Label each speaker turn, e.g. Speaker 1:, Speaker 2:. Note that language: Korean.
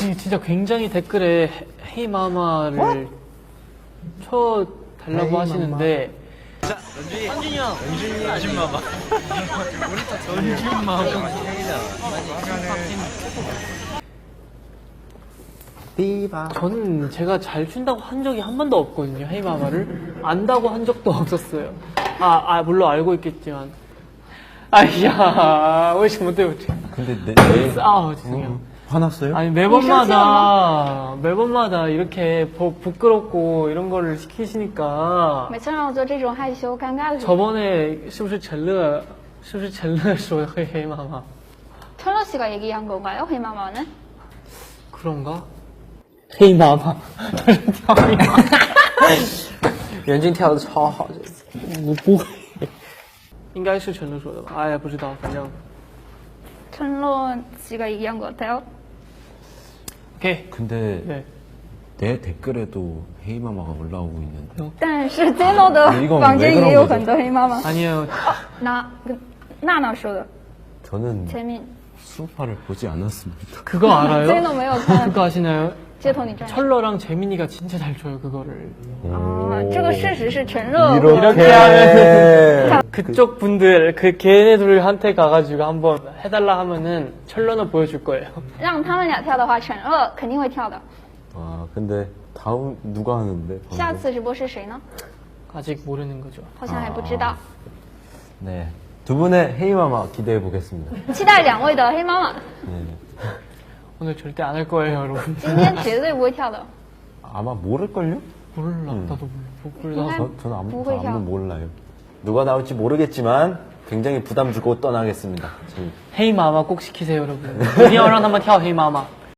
Speaker 1: 진짜 굉장히 댓글에 헤이마마를 쳐 달라고 하시는데.
Speaker 2: 자, 현준이 형. 현준이 아줌마마. 우리 다 현준마마.
Speaker 1: 저는 제가 잘 춘다고 한 적이 한 번도 없거든요. 헤이마마를 안다고 한 적도 없었어요. 물론 알고 있겠지만. 아이야, 왜 이렇게 못해.
Speaker 3: 근데
Speaker 1: 죄송해요.
Speaker 3: 화났어요?
Speaker 1: 아니 매번마다 이렇게 부끄럽고 이런 거를 시키시니까
Speaker 4: 每次让我做这种害羞尴尬的事情。
Speaker 1: 저번에 是不是陈乐说会黑妈妈
Speaker 4: 철러 씨가 얘기한 건가요? 헤이마마는?
Speaker 1: 그런가?黑妈妈
Speaker 2: 袁静跳的超好，
Speaker 1: 我不会应该是陈乐说的吧哎呀不知道反正
Speaker 4: 철러 씨가 얘기한 것 같아요.
Speaker 1: 오케이
Speaker 3: 근데
Speaker 1: 네.
Speaker 3: 내 댓글에도 헤이마마가 올라오고 있는데
Speaker 4: 但是 Zeno 的
Speaker 3: 이건
Speaker 4: 房间
Speaker 3: 왜
Speaker 4: 也有
Speaker 3: 그런
Speaker 4: 很多黑妈妈。
Speaker 1: 아니에요
Speaker 4: 娜说的
Speaker 3: 저는
Speaker 4: 前面
Speaker 3: 수우파를 보지 않았습니다.
Speaker 1: 그거 알아요?
Speaker 4: Zeno 没有看
Speaker 1: 그거 아시나요?
Speaker 4: 街头女战士。
Speaker 1: 철러랑 재민이가 진짜 잘 쳐요 그거를
Speaker 4: 啊，这个事实是陈热
Speaker 1: 이렇게 하면은 그쪽 분들 그 걔네들한테 가가지고 한번 해달라 하면은 철러는 보여줄 거예요
Speaker 4: 让他们俩跳的话，陈热肯定会跳的。
Speaker 3: 아 근데 다음 누가 하는데?
Speaker 4: 下次直播是谁呢？
Speaker 1: 아직 모르는 거죠
Speaker 4: 好像还不知道。
Speaker 3: 네, 두 분의 헤이마마 기대해 보겠습니다.
Speaker 4: 期待两位的黑妈妈，
Speaker 3: 네.
Speaker 1: 오늘 절대 안 할 거예요 여러분
Speaker 4: 今天绝对不会跳的。
Speaker 3: 아마 모를걸요?
Speaker 1: 몰라 나도 몰라
Speaker 3: 저는
Speaker 4: 누구야?
Speaker 3: 아무도 몰라요. 누가 나올지 모르겠지만 굉장히 부담 주고 떠나겠습니다. 저희.
Speaker 1: 헤이마마 꼭 시키세요 여러분 一定要让他们跳黑妈妈